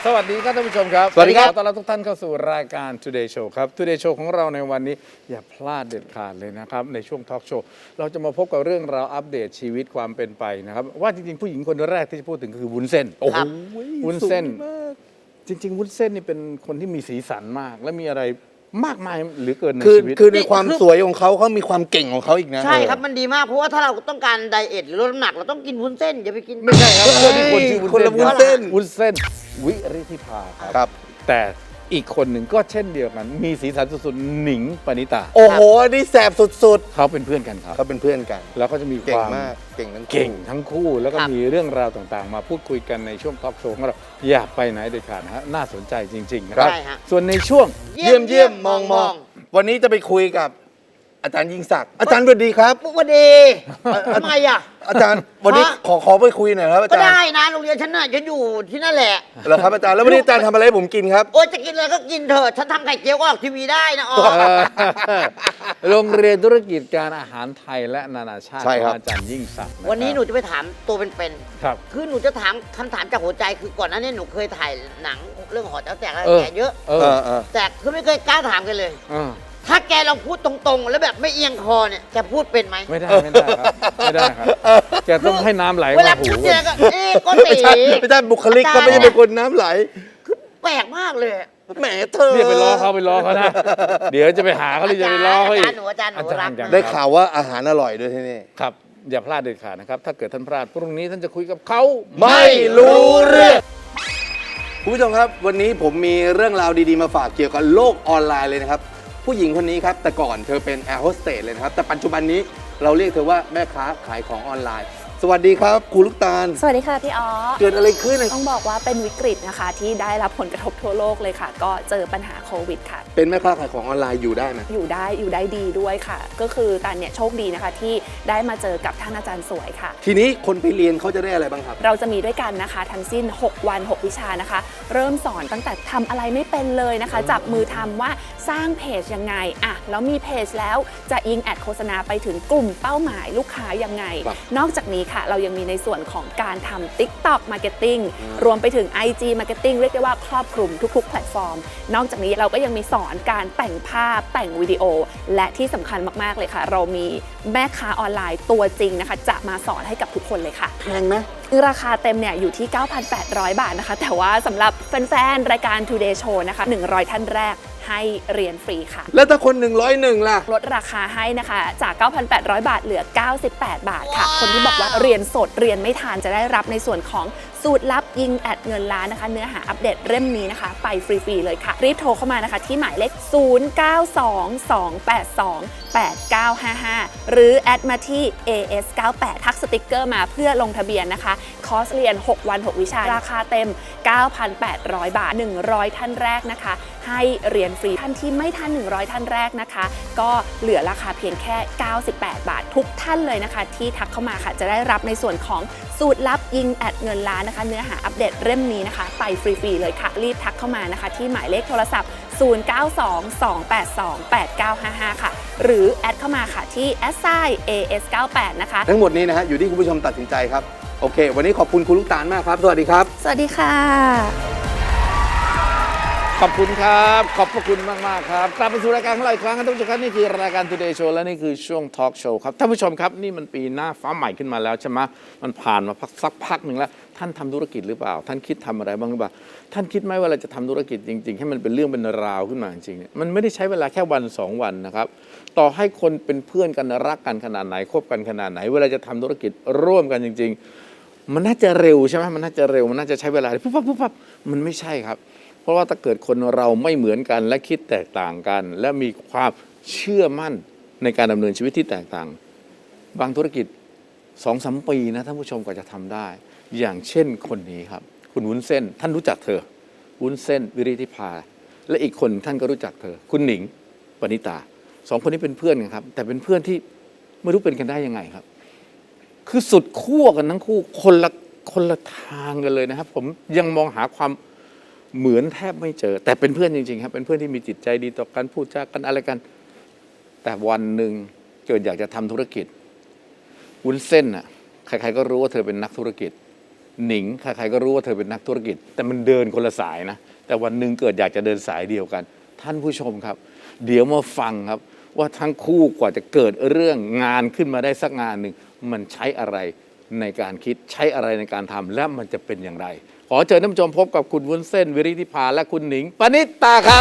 สวัสดีครับท่านผู้ชมครับสวัสดีครับต้อนรับทุกท่านเข้าสู่รายการ Today Show ครับ Today Show ของเราในวันนี้อย่าพลาดเด็ดขาดเลยนะครับในช่วงทอล์กโชว์เราจะมาพบกับเรื่องราวอัปเดตชีวิตความเป็นไปนะครับว่าจริงๆผู้หญิงคนแรกที่จะพูดถึงคือวุ้นเส้นโอ้โหวุ้นเส้นจริงๆวุ้นเส้นนี่เป็นคนที่มีสีสันมากและมีอะไรมากมายหรือเกินในชีวิตคือในความสวยของเขามีความเก่งของเขาอีกนะใช่ครับมันดีมากเพราะว่าถ้าเราต้องการไดเอทหรือลดน้ำหนักเราต้องกินวุ้นเส้นอย่าไปกินไม่ใช่ครับคนที่คนชื่อวุ้นคนละวุ้นเส้เส้นนวุ้นเส้นวิริธิภาครับแต่อีกคนหนึ่งก็เช่นเดียวกันมีสีสันสุดๆหนิงปณิตาโอ้โหนี่แสบสุดเขาเป็นเพื่อนกันครับๆเขาเป็นเพื่อนกันแล้วก็จะมีคเก่งวามมากเก่งทั้งคู่เก่งทั้งคู่แล้วก็มีเรื่องราวต่างๆ มาพูดคุยกันในช่วงทอล์กโชว์ของเราอย่าไปไหนเด็ดขาดนะฮะน่าสนใจจริงๆนะครับใช่ฮะส่วนในช่วงเยี่ยมมองวันนี้จะไปคุยกับอาจารย์ยิ่งศักดิ์อาจารย์สวัสดีครับปุ๊กวันดีทำไมอ่ะอาจารย์วันนี้ขอไปคุยหน่อยครับอาก็จารย์ได้นะโรงเรียนฉันน่ะฉันอยู่ที่นั่นแหละเหรอครับอาจารย์แล้ววันนี้อาจารย์ทำอะไรให้ผมกินครับโอ๊ยจะกินอะไรก็กินเถอะฉันทำไข่เจียวก็ออกทีวีได้นะอ๋อโรงเรียนธุรกิจการอาหารไทยและนานาชาติใช่ขครัอบ งอาจารย์ยิ่งศักดิ์ะครับวันนี้หนูจะไปถามตัวเป็นครับๆคือหนูจะถามคำถามจากหัวใจคือก่อนหน้านี้หนูเคยถ่ายหนังเรื่องหอแต๋วแตกอะไรแกเยอะเอเอออแต่คือไม่เคยกล้าถามกันเลยเออถ้าแกลองพูดตรงๆ แล้วแบบไม่เอียงคอเนี่ยแกพูดเป็นไหมไม่ได้ครับไม่ได้ครับแกต้องให้น้ำไหลเวลามาหูพูดเนี่ยก็ก็ไม่ตีใช่ไม่ใช่บุคลิกก็ไม่ใช่เป็นคนน้ำไหลคือแปลกมากเลยแหมเธอเรียกไปล้อเขานะ เดี๋ยวจะไปหาเขาหรือจะไปล้อเขาอีกอาจารย์หนูรักได้ข่าวว่าอาหารอร่อยด้วยที่นี่ครับอย่าพลาดเด็ดขาดนะครับถ้าเกิดท่านพลาดพรุ่งนี้ท่านจะคุยกับเขาไม่รู้เรื่องคุณผู้ชมครับวันนี้ผมมีเรื่องราวดีๆมาฝากเกี่ยวกับโลกออนไลน์เลยนะครับผู้หญิงคนนี้ครับแต่ก่อนเธอเป็นแอร์โฮสเตสเลยนะครับแต่ปัจจุบันนี้เราเรียกเธอว่าแม่ค้าขายของออนไลน์ สวัสดีครับครูลูกตาลสวัสดีค่ะพี่อ๋อเกิดอะไรขึ้นต้องบอกว่าเป็นวิกฤตนะคะที่ได้รับผลกระทบทั่วโลกเลยค่ะ ก็เจอปัญหาโควิดค่ะเป็นแม่ค้าขายของออนไลน์อยู่ได้ไหมอยู่ได้ดีด้วยค่ะ ก็คือตานเนี่ยโชคดีนะคะที่ได้มาเจอกับท่านอาจารย์สวยค่ะทีนี้คนไปเรียนเขาจะได้อะไรบ้างครับเราจะมีด้วยกันนะคะทั้งสิ้น 6 วัน 6 วิชานะคะ เริ่มสอนตั้งแต่ทำอะไรไม่เป็นเลยนะคะ จับมือทำว่าสร้างเพจยังไงอะแล้วมีเพจแล้วจะยิงแอดโฆษณาไปถึงกลุ่มเป้าหมายลูกค้ายังไงครับนอกจากนี้ค่ะเรายังมีในส่วนของการทำ TikTok Marketing รวมไปถึง IG Marketing เรียกได้ว่าครอบคลุมทุกๆ แพลตฟอร์ม นอกจากนี้เราก็ยังมีสอนการแต่งภาพแต่งวิดีโอ และที่สำคัญมากๆเลยค่ะ เรามีแม่ค้าออนไลน์ตัวจริงนะคะจะมาสอนให้กับทุกคนเลยค่ะแพงไหมราคาเต็มเนี่ยอยู่ที่ 9,800 บาทนะคะ แต่ว่าสำหรับแฟนๆ รายการ Today Show นะคะ 100 ท่านแรกให้เรียนฟรีค่ะแล้วถ้าคน101ล่ะลดราคาให้นะคะจาก 9,800 บาทเหลือ 98 บาทค่ะ คนที่บอกว่าเรียนสดเรียนไม่ทันจะได้รับในส่วนของสูตรลับยิงแอดเงินล้านนะคะ เนื้อหาอัปเดตเล่มนี้นะคะ ไปฟรีๆเลยค่ะ รีบโทรเข้ามานะคะที่หมายเลข 0922828955 หรือแอดมาที่ AS98 ทักสติกเกอร์มาเพื่อลงทะเบียนนะคะ คอร์สเรียน 6 วัน 6 วิชา ราคาเต็ม 9,800 บาท 100 ท่านแรกนะคะ ให้เรียนฟรีท่านที่ไม่ทัน 100 ท่านแรกนะคะ ก็เหลือราคาเพียงแค่ 98 บาท ทุกท่านเลยนะคะ ที่ทักเข้ามาค่ะ จะได้รับในส่วนของสูตรลับยิงแอดเงินล้านนะคะ เนื้อหาอัปเดตเล่มนี้นะคะ ไปฟรีๆเลยค่ะ รีบทักเข้ามานะคะ ที่หมายเลขโทรศัพท์ 0922828955 ค่ะ หรือแอดเข้ามาค่ะที่ @AS98 นะคะทั้งหมดนี้นะฮะอยู่ที่คุณผู้ชมตัดสินใจครับโอเค วันนี้ขอบคุณคุณลูกตาลมากครับสวัสดีครับสวัสดีค่ะขอบคุณครับขอบพระคุณมากๆครับกลับมาสู่รายการของเราอีกครั้งครับท่านผู้ชมครับนี่คือรายการ Today Show และนี่คือช่วง Talk Show ครับท่านผู้ชมครับนี่มันปีหน้าฟ้าใหม่ขึ้นมาแล้วใช่ไหมมันผ่านมาสักพักหนึ่งแล้วท่านทำธุรกิจหรือเปล่าท่านคิดทำอะไรบ้างหรือเปล่าท่านคิดไหมว่าเราจะทำธุรกิจจริงๆให้มันเป็นเรื่องเป็นราวขึ้นมาจริงๆเนี่ยมันไม่ได้ใช้เวลาแค่วัน2 วันนะครับต่อให้คนเป็นเพื่อนกันรักกันขนาดไหนคบกันขนาดไหนเวลาจะทำธุรกิจร่วมกันจริงๆมันน่าจะเร็วใช่ไหมมันน่าจะเร็วมันน่าจะใช้เวลาปุ๊บปั๊บมันไม่ใช่ครับเพราะว่าถ้าเกิดคนเราไม่เหมือนกันและคิดแตกต่างกัน และมีความเชื่อมั่นในการดำเนินชีวิตที่แตกต่างบางธุรกิจ 2-3 ปีนะท่านผู้ชมกว่าจะทำได้อย่างเช่นคนนี้ครับคุณวุ้นเส้นท่านรู้จักเธอวุ้นเส้นวิริธิภาและอีกคนท่านก็รู้จักเธอคุณหนิงปณิตา2 คนนี้เป็นเพื่อนกันครับแต่เป็นเพื่อนที่ไม่รู้เป็นกันได้ยังไงครับคือสุดขั้วกันทั้งคู่คนละทางกันเลยนะครับผมยังมองหาความเหมือนแทบไม่เจอแต่เป็นเพื่อนจริงๆครับเป็นเพื่อนที่มีจิตใจดีต่อกันพูดจากันอะไรกันแต่วันหนึ่งเกิดอยากจะทำธุรกิจวุ้นเส้นน่ะใครๆก็รู้ว่าเธอเป็นนักธุรกิจหนิงใครๆก็รู้ว่าเธอเป็นนักธุรกิจ แต่มันเดินคนละสายนะแต่วันหนึ่งเกิดอยากจะเดินสายเดียวกัน ท่านผู้ชมครับ เดี๋ยวมาฟังครับว่าทั้งคู่กว่าจะเกิดเรื่องงานขึ้นมาได้สักงานหนึ่งมันใช้อะไรในการคิดใช้อะไรในการทำและมันจะเป็นอย่างไร ขอเชิญท่านผู้ชมพบกับคุณวุ้นเส้นวิริธิภาและคุณหนิงปณิตาครับ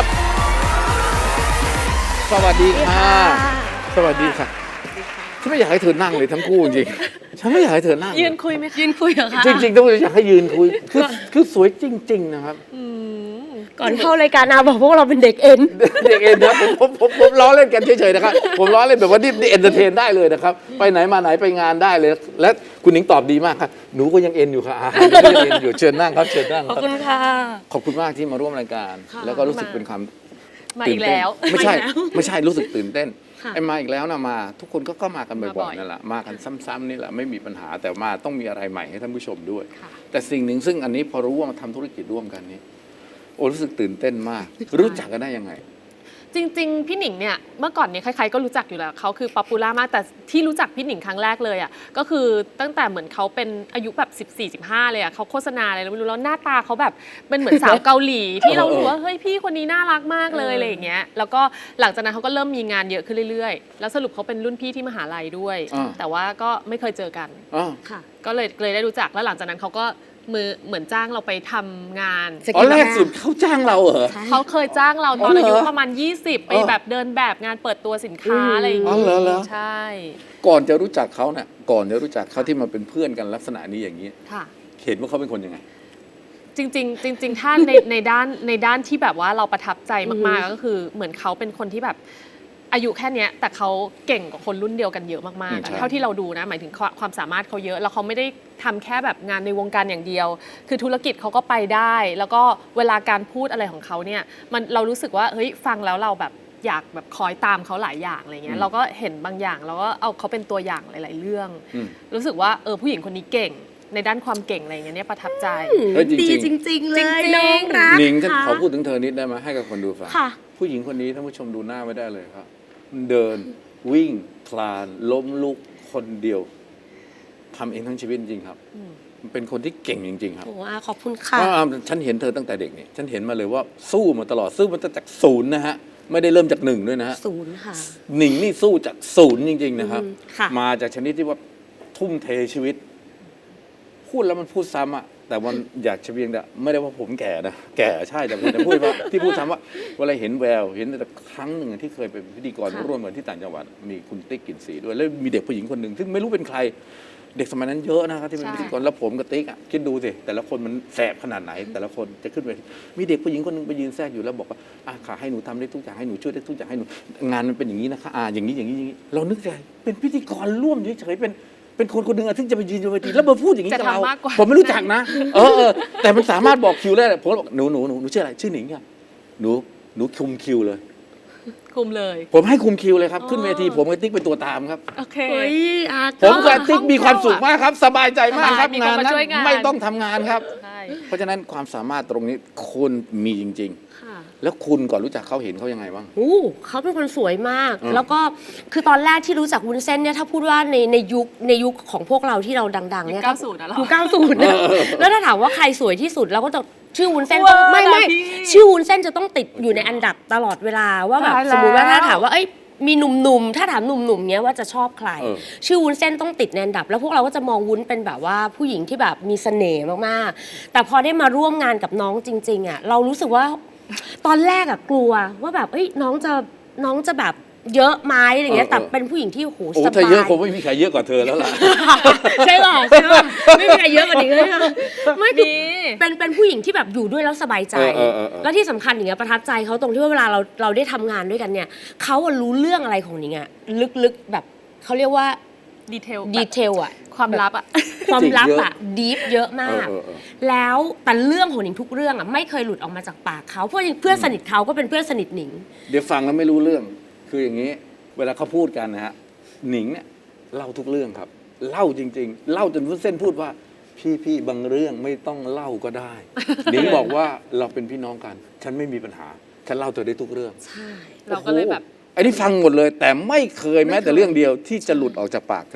สวัสดีค่ะ สวัสดีค่ะฉันไม่อยากให้เธอนั่งเลยทั้งคู่จริงๆฉันไม่อยากให้เธอนั่งยืนคุยไหมคะยืนคุยเหรอคะจริงๆต้องอยากให้ยืนคุยคือสวยจริง ๆ นะครับก่อนเข้ารายการอาบอกพวกเราเป็นเด็กเอ็นเด็กเอ็นนะผมล้อเล่นกันเฉยๆนะครับผมล้อเล่นแบบว่านี่เอนเตอร์เทนได้เลยนะครับไปไหนมาไหนไปงานได้เลย และคุณหนิงตอบดีมากครับหนูก็ยังเอ็นอยู่ค่ะหนูก็ยังเอ็นอยู่เชิญนั่งครับเชิญนั่งขอบคุณค่ะขอบคุณมากที่มาร่วมรายการค่ะแล้วก็รู้สึกเป็นความมาอีกแล้วไม่ใช่มาอีกแล้วไม่ใช่รู้สึกตื่นเต้นค่ะไอ้มาอีกแล้วนะมาทุกคนก็มากันบ่มาบ่ออย ยๆนั่นแหละมากันซ้ำๆนี่แหละไม่มีปัญหาแต่มาต้องมีอะไรใหม่ให้ท่านผู้ชมด้วยค่ะแต่สิ่งหนึ่งซึ่งอันนี้พอรู้ว่ามาทำธุรกิจร่วมกันนี้โอ้รู้สึกตื่นเต้นมาก รู้จักกันได้ยังไงจริงๆ พี่หนิงเนี่ยเมื่อก่อนเนี่ยใครๆก็รู้จักอยู่แล้วเขาคือป๊อปปูล่ามากแต่ที่รู้จักพี่หนิงครั้งแรกเลยอ่ะก็คือตั้งแต่เหมือนเขาเป็นอายุแบบ14-15เลยอ่ะเขาโฆษณาอะไรไม่รู้แล้วหน้าตาเขาแบบเป็นเหมือนสาวเกาหลี ที่เรารู้ว่าเฮ้ยพี่คนนี้น่ารักมากเลยอะไรอย่างเงี้ยแล้วก็หลังจากนั้นเขาก็เริ่มมีงานเยอะขึ้นเรื่อยๆแล้วสรุปเขาเป็นรุ่นพี่ที่มหาลัยด้วยอ่าแต่ว่าก็ไม่เคยเจอกันอ๋อค่ะก็เลยได้รู้จักแล้วหลังจากนั้นเขาก็เหมือนจ้างเราไปทำงานอ๋อแรกสุดเขาจ้างเราเหรอเขาเคยจ้างเราตอนอ๋อเหรออายุประมาณ 20 ไปแบบเดินแบบงานเปิดตัวสินค้าอะไรอย่างอ๋องี้เหรอใช่ก่อนจะรู้จักเขาเนี่ยก่อนจะรู้จักเขาที่มาเป็นเพื่อนกันลักษณะนี้อย่างนี้ค่ะเห็นว่าเขาเป็นคนยังไงจริงๆจริงๆถ้าในด้านที่แบบว่าเราประทับใจมากๆก็คือเหมือนเขาเป็นคนที่แบบอายุแค่เนี้ยแต่เขาเก่งกว่าคนรุ่นเดียวกันเยอะมากๆใช่อะเท่าที่เราดูนะหมายถึงความสามารถเขาเยอะแล้วเขาไม่ได้ทำแค่แบบงานในวงการอย่างเดียว คือธุรกิจเขาก็ไปได้ แล้วก็เวลาการพูดอะไรของเขาเนี่ยเรารู้สึกว่าเฮ้ยฟังแล้วเราแบบอยากแบบคอยตามเขาหลายอย่างอะไรเงี้ยเราก็เห็นบางอย่างเราก็เอาเขาเป็นตัวอย่างหลายๆเรื่องอืมรู้สึกว่าผู้หญิงคนนี้เก่งในด้านความเก่งอะไรเงี้ยเนี่ยประทับใจเฮ้ยจริงดีๆจริง ๆ เลจริยงๆน้องรักหนิงฉันค่ะขอพูดถึงเธอนิดได้ไหมให้กับคนดูฟังค่ะผู้หญิงคนนี้ท่านผู้ชมดูหน้าไม่ได้เลยครับ เดินวิ่งคลานล้มลุกคนเดียวทำเองทั้งชีวิตจริงๆครับมันเป็นคนที่เก่งจริงๆครับโอ้อาขอบคุณค่ะฉันเห็นเธอตั้งแต่เด็กนี่ฉันเห็นมาเลยว่าสู้มาตลอดสู้มาตั้งแต่ศูนย์นะฮะไม่ได้เริ่มจากหนึ่งด้วยนะฮะศูนย์ค่ะหนิงนี่สู้จากศูนย์จริง ๆ นะครับค่ะมาจากชนิดที่ว่าทุ่มเทชีวิต พูดแล้วมันพูดซ้ำอะแต่มันอยากจะเพียงแต่ไม่ได้ว่าผมแก่นะแก่ใช่แต่ผมจะพูดว่าที่พูดซ้ำว่าเวลาเห็นแววเห็นแต่ครั้งหนึ่งที่เคยเป็นพิธีกรร่วมกันที่ต่างจังหวัดมีคุณติ๊กกลิ่นสีด้วยแล้วมีเด็กผู้หญิงคนหนึ่งซึ่งไม่รู้เป็นใคร เด็กสมัยนั้นเยอะนะครับที่เป็นใช่พิธีกรแล้วผมกับติ๊กอะคิดดูสิแต่ละคนมันแสบขนาดไหน แต่ละคนจะขึ้นไปมีเด็กผู้หญิงคนหนึงไปยืนแทรกอยู่แล้วบอกว่าขาให้หนูทำได้ทุกอย่างให้หนูช่วยได้ทุกอย่างให้หนูงานมันเป็นอย่างนี้นะคะอย่างนี้อย่างนี้อย่างนี้เรานึกใจเป็นพิธีกรร่วมเฉยๆเป็นคนคนหนึ่งอะที่จะไปยืนบนเวทีแล้วมาพูดอย่างนี้กับเราจะทำมากกว่าผมไม่รู้จักนะแต่มันสามารถบอกคิวได้ผมก็บอกหนูชื่ออะไรชื่อหนิงค่ะหนูคุมคิวเลยคุมเลยผมให้คุมคิวเลยครับอ๋อขึ้นเวทีผมกับติ๊กเป็นตัวตามครับโอเคเฮ้ยอาผมกับติ๊กมีความสุขมากครับ สบายใจมากครับมีคนงานมานั้นช่วยงานไม่ต้องทำงานครับใช่เพราะฉะนั้นความสามารถตรงนี้คุณมีจริงค่ะๆ แล้วคุณก่อนรู้จักเขาเห็นเขายังไงบ้างเขาเป็นคนสวยมากอืมแล้วก็คือตอนแรกที่รู้จักวุ้นเส้นเนี่ยถ้าพูดว่าในยุคของพวกเราที่เราดังๆเนี่ยยุค90อะเหรอยุค90เนี่ยแล้วถ้าถามว่าใครสวยที่สุดเราก็จะชื่อวุ้นเส้นว้าต้องไม่นะพี่ชื่อวุ้นเส้นจะต้องติดอยู่ในอันดับตลอดเวลาว่าแบบตายแล้วสมมติว่าถ้าถามว่าเอ้ยมีหนุ่มๆถ้าถามหนุ่มๆเนี้ยว่าจะชอบใครเออชื่อวุ้นเส้นต้องติดในอันดับ แล้วพวกเราก็จะมองวุ้นเป็นแบบว่าผู้หญิงที่แบบมีเสน่ห์มากๆแต่พอได้มาร่วมงานกับน้องจริงๆอ่ะเรารู้สึกว่าตอนแรกอ่ะกลัวว่าแบบเอ้ยน้องจะแบบเยอะไหมอะไรเงี้ยแต่เป็นผู้หญิงที่โหโอ้สถ้าบายเยอะคงไม่มีใครเยอะกว่าเธอแล้วล่ะใช่ป่ะใช่ป่ะไม่มีใครเยอะกว่านี้เลยค่ะไม่คือมีเป็นผู้หญิงที่แบบอยู่ด้วยแล้วสบายใจเออแล้วที่สำคัญอย่างเงี้ยประทับใจเขาตรงที่ว่าเวลาเราได้ทำงานด้วยกันเนี่ยเขาอะรู้เรื่องอะไรของนิงอะลึกๆแบบเขาเรียกว่าดีเทลดีเทลอะความลับอะความลับอะดีฟเยอะมากเออแล้วแต่เรื่องของหนิงทุกเรื่องอะไม่เคยหลุดออกมาจากปากเขาเพราะเพื่อนสนิทเขาก็เป็นเพื่อนสนิทหนิงเดี๋ยวฟังแล้วไม่รู้เรื่อง คืออย่างนี้ เวลาเขาพูดกันนะฮะหนิงเนี่ยเล่าทุกเรื่องครับ เล่าจริง ๆ เล่าจนวุ้นเส้นพูดว่าพี่บางเรื่องไม่ต้องเล่าก็ได้ หนิงบอกว่าเราเป็นพี่น้องกัน ฉันไม่มีปัญหา ฉันเล่าเธอได้ทุกเรื่องใช่เราก็เลยแบบโอ้โหไอ้นี่ฟังหมดเลย แต่ไม่เคยแม้แต่เรื่องเดียวที่จะหลุดออกจากปากเธอใ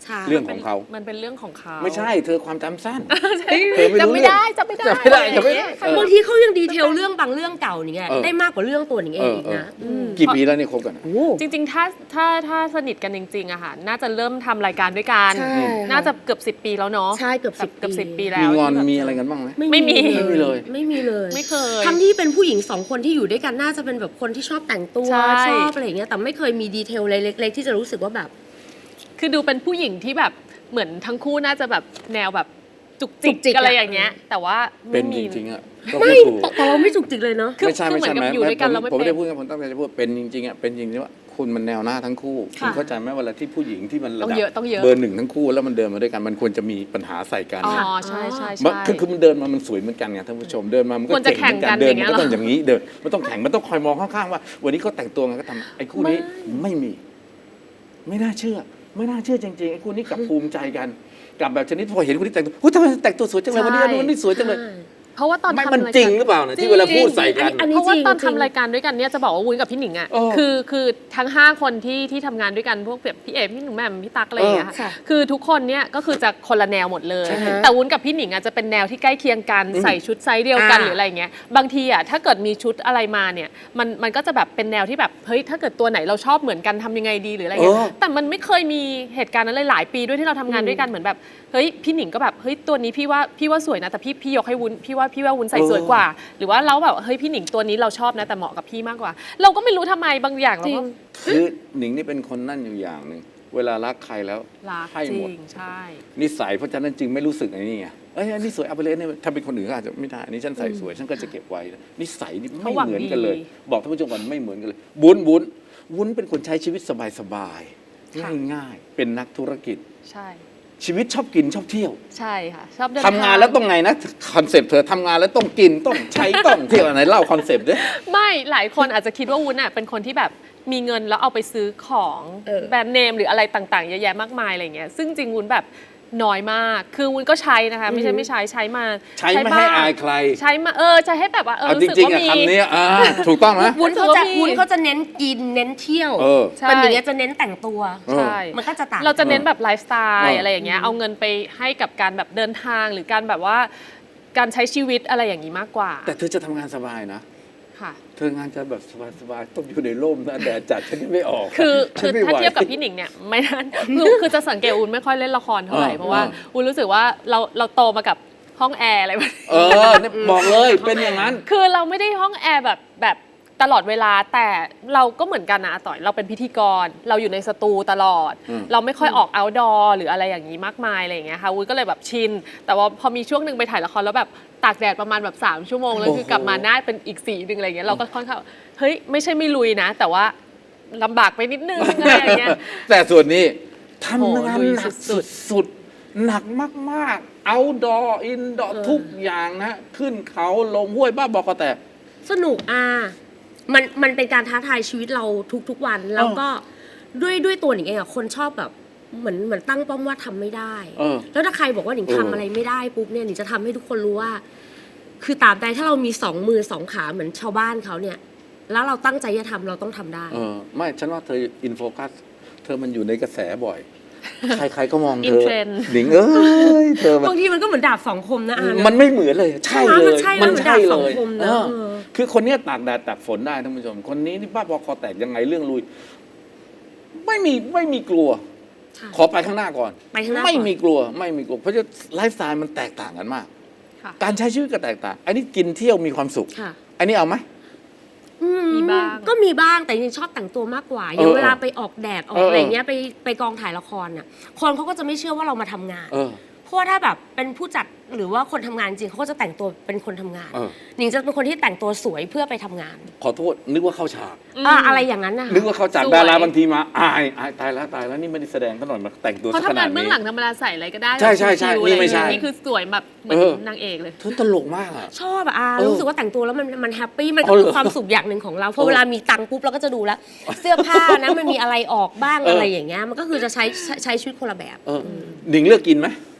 ใช่เรื่องของเขามันเป็นเรื่องของเขาไม่ใช่เธอความจำสั้นใช่เธอไม่รู้จำไม่ได้จำไม่ได้จำไม่ได้อะรจำไม่อย่างได้เงี้ยเออบางทีเขายังดีเทลเรื่องบางเรื่องเก่าอย่างเงี้ยเออได้มากกว่าเรื่องตัวหนิงเองอีกนะมกี่ปีแล้วเนี่ยคบกันอะโอ้จริงๆ ถ้าสนิทกันจริงๆอะค่ะ น่าจะเริ่มทำรายการด้วยกันใช่ค่ะน่าจะเกือบ10 ปีแล้วเนาะใช่เกือบแบบ 10 เกือบปี 10 ปีแล้วมีงอนที่แบบมีอะไรกันบ้างไหมไม่มีไม่มีเลยไม่มีเลยไม่เคยทั้งที่เป็นผู้หญิงสองคนที่อยู่ด้วยกันน่าจะเป็นแบบคนที่ชอบแต่งตัวใช่ชอบอะไรอย่างเงี้ยแต่ไม่เคยมีดีเทลอะไรเล็กๆที่จะรู้สึกว่าแบบคือดูเป็นผู้หญิงที่แบบเหมือนทั้งคู่น่าจะแบบแนวแบบจุกจิจุกจิกกอะไรอย่างเงี้ย แต่ว่าเป็นไม่จมีริงๆอ่ะก็ไม่พูดถูกแต่เราไม่จุกจิกเลยเนาะคือไม่ใช่คือไม่เหมือใช่นกับแม้อยู่ด้วยกันเราผมไม่ผมไม่ได้เป็นพูดกับผมตั้งใจจะพูดเป็นจริงๆอ่ะเป็นจริงๆว่าคุณมันแนวหน้าทั้งคู่คุค่ะณเข้าใจไหมเวลาที่ผู้หญิงที่มันระต้องดับเยอะต้องเยอะเบอร์หนึ่งทั้งคู่แล้วมันเดินมาด้วยกันมันควรจะมีปัญหาใส่กันอ๋อใช่ใช่มันใช่คือมันเดินมามันสวยเหมือนกันไงท่านผู้ชมเดินมามันก็ควรจะเก่งเหมือนกันแข่งกันเดินอย่างเงี้มันยก็ต้องเหรออย่างนี้เดินมันต้องแข่งมันต้องคอยมองข้างๆว่า วันนี้เขาแต่งตัวไงก็ทำไอ้คู่นี้ไม่มี ไม่น่าเชื่อจริงๆไอ้คู่นี้กลับภูมิใจกันกลับแบบชนิดพอเห็นคนที่แต่งตัวทำไมแต่งตัวสวยจังเลยวันนี้วันนี้สวยจังเลยเพราะว่าตอนไม่ทำมันรายจริกาง รหรือเปล่านะที่เวลาพูดใส่กันอันนี้เพราะว่าจริงตอนจริงทำรายการด้วยกันเนี่ยจะบอกว่าวุ้นกับพี่หนิงอ่ะเออคือทั้ง 5 คนที่ทำงานด้วยกันพวกแบบพี่เอพี่หนุ่มแหม่มพี่ตั๊กอะไรอย่างเงี้ยค่ะคือทุกคนเนี่ยก็คือจะคนละแนวหมดเลยใช่แต่วุ้นกับพี่หนิงอ่ะจะเป็นแนวที่ใกล้เคียงกันใส่ชุดไซส์เดียวกันหรืออะไรอย่างเงี้ยบางทีอ่ะถ้าเกิดมีชุดอะไรมาเนี่ยมันก็จะแบบเป็นแนวที่แบบเฮ้ยถ้าเกิดตัวไหนเราชอบเหมือนกันทำยังไงดีหรืออะไรเงี้ยแต่มันไม่เคยมีเหตุการณ์นั้นเลยหลายปีด้วยที่เราทำงานด้วยกันเหมือนแบบเฮ้ยพี่หนิงก็แบบเฮ้ยตัวนี้พี่ว่าสวยนะแต่พี่ยกให้วุ้นพี่ว่าวุ้นใส่สวยกว่า หรือว่าเราแบบเฮ้ยพี่หนิงตัวนี้เราชอบนะแต่เหมาะกับพี่มากกว่า เราก็ไม่รู้ทำไมบางอย่างเราก็คือหนิงนี่เป็นคนนั่นอยู่อย่างหนึ่งเวลารักใครแล้วรักให้จหริมดงใช่นิสัยเพราะฉะนั้นจึงไม่รู้สึกไอ้นี่ไงเอ้ยอันนี้สวยเอาไปเลยเนี่ยถ้าเป็นคนอื่นก็อาจจะไม่ได้อันนี้ฉันใส่สวยฉันก็จะเก็บไว้นิสัยนี่ไม่เหมือนกันเลย บอกท่านผู้ชมก่อนไม่เหมือนกันเลยวุ้นเป็นคนใช้ชีวิตสบายๆง่ายๆเป็นนักธุรกิจใช่ชีวิตชอบกินชอบเที่ยวใช่ค่ะชอบเดินทำงานแล้วต้องไงนะคอนเซปต์เธอทำงานแล้วต้องกินต้องใช้ต้องเที่ยวอะไรเล่าคอนเซปต์ด้วยไม่หลายคนอาจจะคิดว่าวุ้นอ่ะเป็นคนที่แบบมีเงินแล้วเอาไปซื้อของแบรนด์เนมหรืออะไรต่างๆเยอะแยะมากมายอะไรเงี้ยซึ่งจริงวุ้นแบบน้อยมากคือวุ้นก็ใช้นะคะไม่ใช่ไม่ใช้มาใช้ไม่ให้อายใครใช้มาใช้ให้แบบว่าเอาจรู้สึกริงๆว่าอะมีคำนี้ถูกต้องไหมวุ้นเขาจะรู้สึกว่ามีวุ้นเขาจะเน้นกินเน้นเที่ยวเออใช่แต่อย่างเงี้ยจะเน้นแต่งตัวใช่มันก็จะต่างเราจะเน้นแบบไลฟ์สไตเอล์อออะไรอย่างเงี้ยเอาเงินไปให้กับการแบบเดินทางหรือการแบบว่าการใช้ชีวิตอะไรอย่างนี้มากกว่าแต่เธอจะทำงานสบายนะค่ะเธองานจะแบบสบายๆต้องอยู่ในร่มนะแดดจัดฉันไม่ออกคือฉันไม่ถ้าไหวเทียบกับพี่หนิงเนี่ยไม่นั้นคือจะสังเกตวุ้นไม่ค่อยเล่นละครเท่าไหร่เพราะว่าวุ้นรู้สึกว่าเราโตมากับห้องแอร์อะไรแบบนี้เนี่ยบอกเลยเป็นอย่างนั้นคือเราไม่ได้ห้องแอร์แบบตลอดเวลาแต่เราก็เหมือนกันนะอาต่อยเราเป็นพิธีกรเราอยู่ในสตูตลอด เราไม่ค่อยออกเอาท์ดอร์หรืออะไรอย่างนี้มากมายอะไรอย่างเงี้ยค่ะวุ้นก็เลยแบบชินแต่ว่าพอมีช่วงหนึ่งไปถ่ายละครแล้วแบบตากแดดประมาณแบบ3 ชั่วโมงแล้วคือกลับมาหน้าเป็นอีกสีหนึ่งอะไรอย่างเงี้ยเราก็ค่อนข้างเฮ้ยไม่ใช่ไม่ลุยนะ แต่ว่าลำบากไปนิดนึงอะไรอย่างเงี้ยแต่ส่วนนี้ทำงานโอ้ลุยหนักสุดสุดๆหนักมากๆเอาดออินดอทุกอย่างนะขึ้นเขาลงห้วยบ้าบอกก็แต่สนุกมันเป็นการท้าทายชีวิตเราทุกๆวัน แล้วก็ด้วยตัวหนิงเองอะคนชอบแบบเหมือนตั้งป้อมว่าทำไม่ได้ แล้วถ้าใครบอกว่าหนิงทำอะไรไม่ได้ปุ๊บเนี่ยหนิงจะทำให้ทุกคนรู้ว่า คือตราบใดถ้าเรามี2 มือ 2 ขาเหมือนชาวบ้านเขาเนี่ย แล้วเราตั้งใจจะทำเราต้องทำได้ไม่ฉันว่าเธออินโฟกัสเธอมันอยู่ในกระแสบ่อย ใครๆก็มองเธ In อ trend หนิงเธอมันบางทีมันก็เหมือนดาบ2 คมนะอานะมันไม่เหมือนเลยใช่เลยใช่มันมันใช่ดาบเลสองยคมนะคือคนเนี้ยตากแดดตากฝนได้ท่านผู้ชมคนนี้นี่บ้าบอคอแตกยังไงเรื่องลุยไม่มีกลัวใช่ขอไปข้างหน้าก่อนไปข้างหน้าก่อนไม่มีกลัวเพราะจะไลฟ์สไตล์มันแตกต่างกันมากค่ะการใช้ชีวิตก็แตกต่าง อันนี้กินเที่ยวมีความสุขค่ะอันนี้เอาไหมมีบ้างก็มีบ้างแต่ยังชอบแต่งตัวมากกว่าอย่างเวลาไปออกแดดออกอะไรเงี้ยไปกองถ่ายละครน่ะคนเขาก็จะไม่เชื่อว่าเรามาทำงาน เพราะว่าถ้าแบบเป็นผู้จัดหรือว่าคนทำงานจริงเขาก็จะแต่งตัวเป็นคนทำงานหนิงจะเป็นคนที่แต่งตัวสวยเพื่อไปทำงานขอโทษนึกว่าเข้าฉากอะไรอย่างนั้นนะคะนึกว่าเข้าฉากสวยดาราบางทีมาอายตายแล้วนี่ไม่ได้แสดงขนาดมาแต่งตัวเขาสักขทำงานาดนเบื้อนี้งหลังธรรมดาใส่อะไรก็ได้ใช่ๆๆชิวๆนี่ไม่ใช่อะไรอย่างเงี้ยนี่คือสวยแบบเหมือนนางเอกเลยเธอตลกมากอะชอบอะรู้สึกว่าแต่งตัวแล้วมันแฮปปี้มันก็เอาเหรอคือความสุขอย่างหนึ่งของเราพอเวลามีตังค์ปุ๊บเราก็จะดูแล้ว เสื้อผ้านะมันมีอะไรออกบ้างอะไรอย่างเงี้ยมันก็คือจะใช้ชีวิตคนละแบบหนิงเลือกกินไหม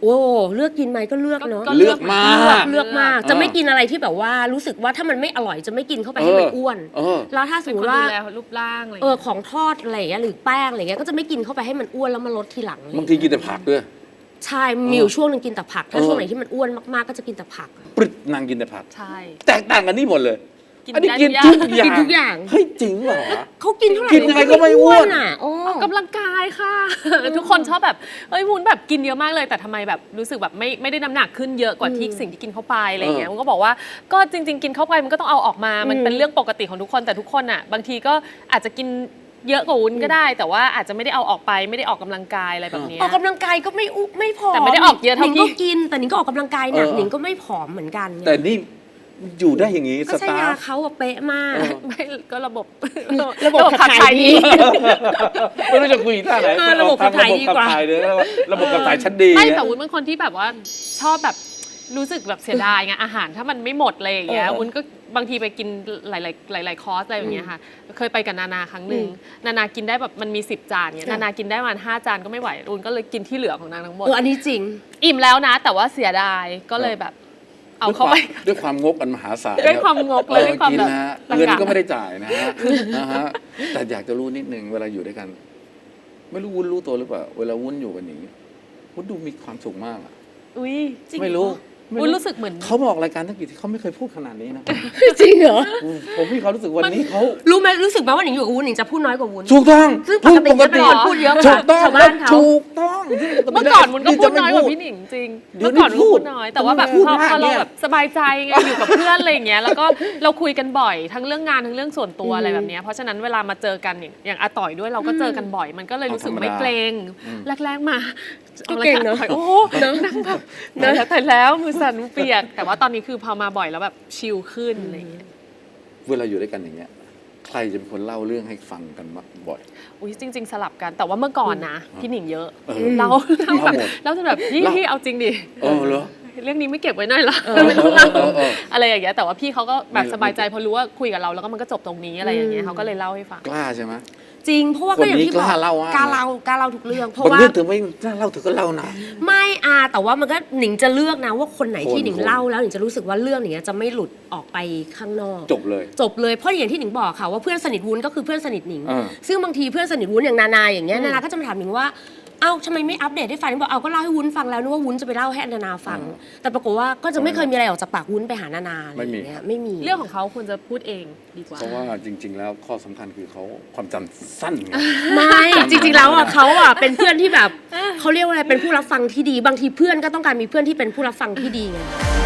โอ้เลือกกินไหมก็เลือกเนาะก็เลือกมากเลือกมากจะไม่กินอะไรที่แบบว่ารู้สึกว่าถ้ามันไม่อร่อยจะไม่กินเข้าไปให้มันอ้วน แล้วถ้าสเป็มนมคนติว่าดูแลรูปร่างอะไรอย่างเออเงี้ยของทอดอะไรอย่างเงี้ยหรือแป้งอะไรเงี้ยก็จะไม่กินเข้าไปให้มันอ้วนแล้วมาลดทีหลังเลยบางทีกินแต่ผักด้วยใช่มีอยู่ช่วงหนึงกินแต่ผักถ้าช่วงไหนที่มันอ้วนมากๆก็จะกินแต่ผักปรึดนางกินแต่ผักใช่แตกต่างกันนี่หมดเลยกินอันนี้ได้กินทุกอย่างทุกอย่างกินทุกอย่างเฮ้ยจริงเหรอเขากินเท่าไหร่กินยังไงก็ไม่อ้วนอ่ะโอ้ออกกำลังกายค่ะ ทุกคนชอบแบบเอ้ยวุ้นแบบกินเยอะมากเลยแต่ทำไมแบบรู้สึกแบบไม่ได้น้ำหนักขึ้นเยอะกว่าที่สิ่งที่กินเข้าไปอะไรอย่างเงี้ยวุ้นก็บอกว่าก็จริง ๆ กินเข้าไปมันก็ต้องเอาออกมา มันเป็นเรื่องปกติของทุกคนแต่ทุกคนอ่ะบางทีก็อาจจะกินเยอะกว่าวุ้นก็ได้ แต่ว่าอาจจะไม่ได้เอาออกไปไม่ได้ออกกำลังกายอะไรแบบเนี้ยออกกำลังกายก็ไม่ผอมแต่ไม่ได้ออกเยอะเท่าหนิงพี่ก็กินแต่หนิงก็ออกกำลังกายหนักหนิงก็ไม่ผอมเหมือนกันไงแต่นี่อยู่ได้อย่างนี้สก็ใช้ตาร์ยาฟเขาอะเป๊ะมากไม่ก็ระบบระบบขับถ่ายดีไม่รู้จะคุยท่าไหนระบบขับถ่ายดีกว่าระบบขับถ่ายชั้นดีไม่แต่วุ้นเป็นคนที่แบบว่าชอบแบบรู้สึกแบบเสียดายไงอาหารถ้ามันไม่หมดเลยอย่างเงี้ยวุ้นก็บางทีไปกินหลายคอร์สอะไรอย่างเงี้ยค่ะเคยไปกับนานาครั้งหนึ่งนานากินได้แบบมันมี10 จานเงี้ยนานากินได้ประมาณ5 จานก็ไม่ไหววุ้นก็เลยกินที่เหลือของนางทั้งหมดอันนี้จริงอิ่มแล้วนะ แต่ว่าเสียดายก็เลยแบบเอาเข้าไปด้วยความงกอันมหาศาลด้วยความงกเลยด้วยความกินแบบนะฮะตะกะเงินก็ไม่ได้จ่ายนะฮะนะฮะแต่อยากจะรู้นิดนึงเวลาอยู่ด้วยกัน ไม่รู้วุ้นรู้ตัวหรือเปล่าเวลาวุ้นอยู่กันอย่างนี้วุ้นดูมีความสุขมากอะอุ้ยไม่รู้วุ้นรู้สึกเหมือนเขาบอกรายการทั้งกี่ที่เขาไม่เคยพูดขนาดนี้นะจริงเหรอผมมีความรู้สึกวันนี้เขารู้ไหมรู้สึกไหมว่าหนิงอยู่กับวุ้นหนิงจะพูดน้อยกว่าวุ้นถูกต้องซึ่งปกติจะเป็นคนพูดเยอะกว่าถูกต้องชาวบ้านเขาถูกต้องเมื่อก่อนวุ้นก็พูดน้อยกว่าพี่หนิงจริงเดี๋ยวเมื่อก่อนวุ้นพูพูดดน้อย แต่ว่าแบบพูดพอมากเราเนี่ยแบบสบายใจไงอยู่กับเพื่อนอะไรอย่างเงี้ยแล้วก็เราคุยกันบ่อยทั้งเรื่องงานทั้งเรื่องส่วนตัวอะไรแบบเนี้ยเพราะฉะนั้นเวลามาเจอกันอย่างอาต่อยด้วยเราก็เจอกันบ่อย มันก็เลยรู้สึกไม่เกรงแรกๆมาก็เก่งเนอะโอ้โหนั่งแบบแต่แล้วมือสั่นมือเปียก แต่ว่าตอนนี้คือพอมาบ่อยแล้วแบบชิลขึ้นอะไรอย่างเงี้ยเวลาอยู่ด้วยกันอย่างเงี้ยใครจะเป็นคนเล่าเรื่องให้ฟังกันมากบ่อยอุ้ยจริง ๆ สลับกันแต่ว่าเมื่อก่อนนะพี่หนิงเยอะเล่าเราแบบหมดเราจะแบบพี่เล่าพี่เอาจริงดิเหรอเรื่องนี้ไม่เก็บไว้หน่อยเหรอไม่ต้องเล่า อะไรอย่างเงี้ยแต่ว่าพี่เขาก็แบบไม่สบายใจเพราะรู้ว่าคุยกับเราแล้วก็มันก็จบตรงนี้อะไรอย่างเงี้ยเขาก็เลยเล่าให้ฟังกล้าใช่ไหมจริงเพราะว่าก็อย่างที่บอกคนนี้กล้าเล่ามากกล้าเล่าทุกเรื่องเพราะบางว่าเรื่องเธอไม่กล้าเล่าเธอก็เล่านะไม่แต่ว่ามันก็หนิงจะเลือกนะว่าคนไหนที่คนหนิงเล่าแล้วหนิงจะรู้สึกว่าเรื่องอย่างเงี้ยจะไม่หลุดออกไปข้างนอกจบเลยจบเลยเพราะอย่างที่หนิงบอกค่ะว่าเพื่อนสนิทวุ้นก็คือเพื่อนสนิทหนิงอ่าซึ่งบางทีเพื่อนสนิทวุ้นอย่างนานาอย่างเงี้ยนานาก็จะมาถามหนิงว่าเอ้าทำไมไม่อัปเดตให้ฟังหนิงบอกเอาก็เล่าให้วุ้นฟังแล้วนึกว่าวุ้นจะไปเล่าให้นานาฟัง แต่ปรากฏว่าก็จะไม่เคยมีอะไรออกจากปากวุ้นไปหานานาอะไรอย่างเงี้ยไม่มีเรื่องของเขาควรจะพูดเองดีกว่าเพราะว่าจริง ๆ แล้วข้อสำคัญคือเขาความจำสั้นไงไม่จริงๆแล้วเขาเป็นเพื่อนที่แบบเขาเรียกว่าอะไรเป็นผู้รับฟังที่ดีบางทีเพื่อนก็ต้องการมีเพื่อนที่เป็นผู้รับฟังที่ดีไง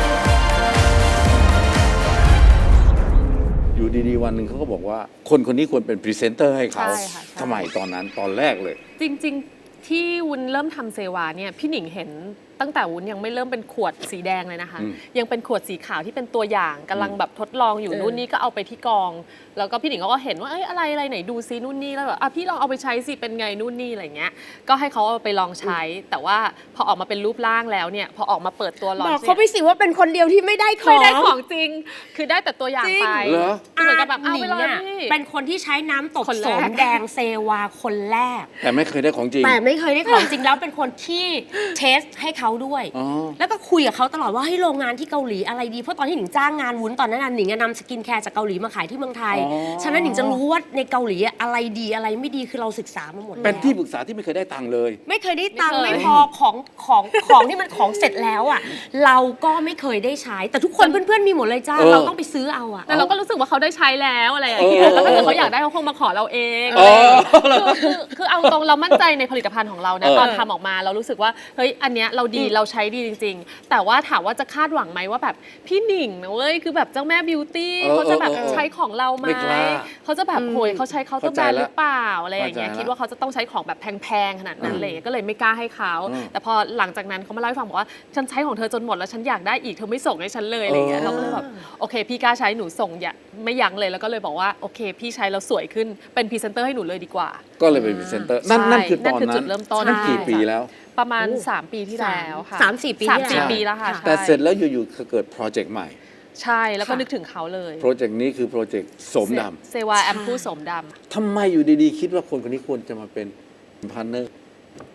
อยู่ดีๆวันหนึ่งเขาก็บอกว่าคนคนนี้ควรเป็นพรีเซนเตอร์ให้เขาใช่ค่ะใช่ทำไมตอนนั้นตอนแรกเลยจริงๆที่วุ้นเริ่มทำเซวาเนี่ยพี่หนิงเห็นตั้งแต่วุ้นยังไม่เริ่มเป็นขวดสีแดงเลยนะคะ ยังเป็นขวดสีขาวที่เป็นตัวอย่างกำลังแบบทดลองอยู่นู่นนี่ก็เอาไปที่กอง แล้วก็พี่หนิงก็เห็นว่าเอ้ยอะไรไหนดูซินู่นนี่แล้วแบบพี่ลองเอาไปใช้สิเป็นไงนู่นนี่อะไรเงี้ยก็ให้เขาเอาไปลองใช้ แต่ว่าพอออกมาเป็นรูปร่างแล้วเนี่ยพอออกมาเปิดตัวลอนบอกเขาไปสิว่าเป็นคนเดียวที่ไม่ได้ของไม่ได้ของจริง คือได้แต่ตัวอย่างไปเหรอคือเหมือนกับแบบเอาหนิไปงเลยอะพี่เป็นคนที่ใช้น้ำตกคนโสแรกมแดงเซวาคนแรกแต่ไม่เคยได้ของจริงแต่ไม่เคยได้ของจริงแล้วเป็นคนที่เทสให้เขาด้วยอ๋อแล้วก็คุยกับเขาตลอดว่าให้โรงงานที่เกาหลีอะไรดีเพราะตอนที่หนิงจ้างงานวุ้นตอนนั้นหนิงนำสกินแคร์จากเกาหลีมาขายที่เมืองไทยอ๋อฉะนั้นหนิงจะรู้ว่าในเกาหลีอะไรดีอะไรไม่ดีคือเราศึกษามาหมดแล้วเป็นที่ปรึกษาที่ไม่เคยได้ตังค์เลยไม่เคยได้ตังค์ไม่ไม่เคยพอของที่มันของเสร็จแล้วอ่ะเราก็ไม่เคยได้ใช้ แต่ทุกคนเพื่อนๆมีหมดเลยจ้าเออเราต้องไปซื้อเอาอ่ะแต่เราก็รู้สึกว่าเขาได้ใช้แล้วอะไรอย่างเงี้ยแล้วถ้าเกิดเขาอยากได้เขาคงมาขอเราเองอ๋อคือเอาตรงเรามั่นใจในผลิตภัณฑ์ของเรานะเออตอนทำออกมาเรารู้สึกว่าเฮ้ยอันเนี้ยเราดีเราใช้ดีจริง ๆ แต่ว่าถามว่าจะคาดหวังไหมว่าแบบพี่หนิงนะเว้ยคือแบบเจ้าแม่บิวตี้เขาจะแบบใช้ของเราไหมไม่กล้าเขาจะแบบโหยเขาใช้เคาน์เตอร์แบรนด์หรือเปล่าอะไรอย่างเงี้ยเข้าใจละคิดว่าเขาจะต้องใช้ของแบบแพงๆขนาดนั้นเลยก็เลยไม่กล้าให้เขา แต่พอหลังจากนั้นเขามาเล่าให้ฟังบอกว่าฉันใช้ของเธอจนหมดแล้วฉันอยากได้อีกเธอไม่ส่งให้ฉันเลยอะไรอย่างเงี้ยเราก็เลยแบบโอเคพี่กล้าใช้หนูส่งอย่าไม่ยั้งเลยแล้วก็เลยบอกว่าโอเคพี่ใช้แล้วสวยขึ้นเป็นพรีเซนเตอร์ให้หนูเลยดีกว่าก็เลยเป็นพรีเซนเตอร์นั่นคือตอนนั่นคือจุนั้ดนเริ่มต้นนั่นกี่ใช่ปีแล้วประมาณ 3 ปีที่แล้วค่ะ 3-4 ปีสามที่สี่แล้วปีแล้วค่ะแต่ใช่เสร็จแล้วอยู่ๆเกิดโปรเจกต์ใหม่ใช่แล้วก็นึกถึงเขาเลยโปรเจกต์นี้คือโปรเจกต์โสมดเซวาแอมพูโสมดำำทำไมอยู่ดีๆ คิดว่าคนคนนี้ควรจะมาเป็นพาร์ทเนอร์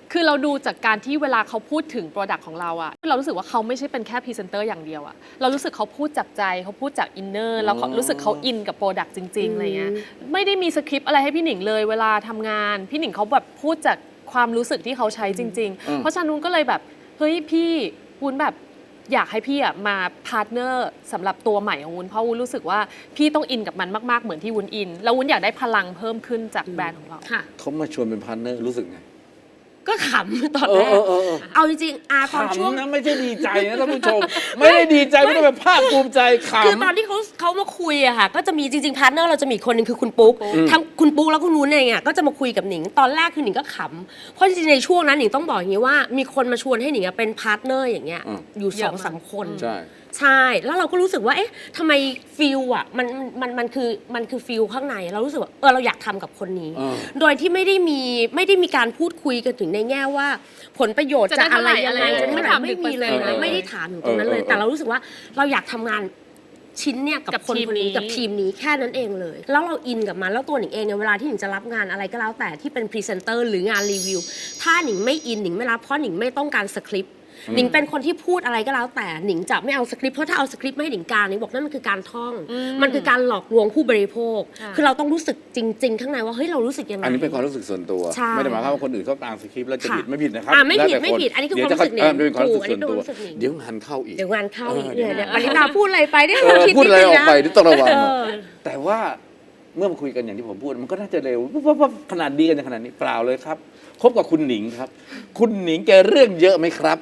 คือเราดูจากการที่เวลาเขาพูดถึงโปรดักต์ของเราอะเรารู้สึกว่าเขาไม่ใช่เป็นแค่พรีเซนเตอร์อย่างเดียวอะเรารู้สึกเขาพูดจากใจเขาพูดจากอินเนอร์แล้วเขารู้สึกเขาอินกับโปรดักต์จริงๆอะไรเงี้ยไม่ได้มีสคริปต์อะไรให้พี่หนิงเลยเวลาทำงานพี่หนิงเขาแบบพูดจากความรู้สึกที่เขาใช้จริง ๆ เพราะฉะนั้นวุ้นก็เลยแบบเฮ้ยพี่วุ้นแบบอยากให้พี่อะมาพาร์ทเนอร์สำหรับตัวใหม่ของวุ้นเพราะวุ้นรู้สึกว่าพี่ต้องอินกับมันมากๆเหมือนที่วุ้นอินแล้ววุ้นอยากได้พลังเพิ่มขึ้นจากแบรนด์ของเราเขามาชวนเป็นพาร์ทเนอร์รู้สึกไงก็ขำตอนแรกเอาจริงๆตอนช่วงขำนะไม่ใช่ดีใจนะท่านผู้ชม ไม่ได้ดีใจไม่ได้แบบภาคภูมิใจขำคือตอนที่เขามาคุยอะค่ะก็จะมีจริงๆพาร์ทเนอร์เราจะมีคนหนึ่งคือคุณปุ๊กทั้งคุณปุ๊กแล้วคุณวุ้นเองอะก็จะมาคุยกับหนิงตอนแรกคือหนิงก็ขำเพราะจริงๆในช่วงนั้นหนิงต้องบอกอย่างนี้ว่ามีคนมาชวนให้หนิงอะเป็นพาร์ทเนอร์อย่างเงี้ยอยู่เยอะมาก 2-3 คนใช่ใช่แล้วเราก็รู้สึกว่าเอ๊ะทำไมฟิลอะมันคือฟิลข้างในเรารู้สึกว่าเราอยากทำกับคนนี้ โดยที่ไม่ได้มีการพูดคุยกันถึงในแง่ว่า ผลประโยชน์จะอะไรยังไงจะเท่าไหร่ไม่มีเลยนะไม่ได้ถามถึงตรงนั้นเลย แต่เรารู้สึกว่าเราอยากทำงานชิ้นเนี่ยกับคนคนนี้กับทีมนี้แค่นั้นเองเลย แล้วเราอินกับมันแล้วตัวหนิงเองเนี่ยเวลาที่หนิงจะรับงานอะไรก็แล้วแต่ที่เป็นพรีเซนเตอร์หรืองานรีวิวถ้าหนิงไม่อินหนิงไม่รับเพราะหนิงไม่ต้องการสคริปต์หนิงเป็นคนที่พูดอะไรก็แล้วแต่หนิงจะไม่เอาสคริปต์เพราะถ้าเอาสคริปต์ไม่ให้หนิงการหนิงบอกนั่นมันคือการท่องมันคือการหลอกลวงผู้บริโภคคือเราต้องรู้สึกจริง ๆ ข้างในว่าเฮ้ยเรารู้สึกยังไงอันนี้เป็นความรู้สึกส่วนตัวใช่ไม่ได้หมายความว่าคนอื่นเขาตามสคริปต์แล้วจะผิดไม่ผิดนะครับไม่ผิดแล้วแต่ไม่ผิดอันนี้คือเดี๋ยวจะความรู้สึกหนิงเป็นความรู้สึกถูกส่วนตัวอันนี้เป็นความรู้สึกหนิงเดี๋ยวงานเข้าอีกเดี๋ยวงานเข้าอีกเดี๋เนี่ยวยปรินาพูดอะไรไปเนี่ยคิดพูดอะไรนิอนึอกงไปนะที่ต้องระวังแต่ว่าเมื่อมาคุยกันอย่างที่ผมพูดมันก็น่าจะเร็วว่าขนาดดีกันอย่างขนาดนี้เปล่าเลยครับคบกับคุณหนิงครับ คุณหนิงแกเรื่องเยอะไหมครับ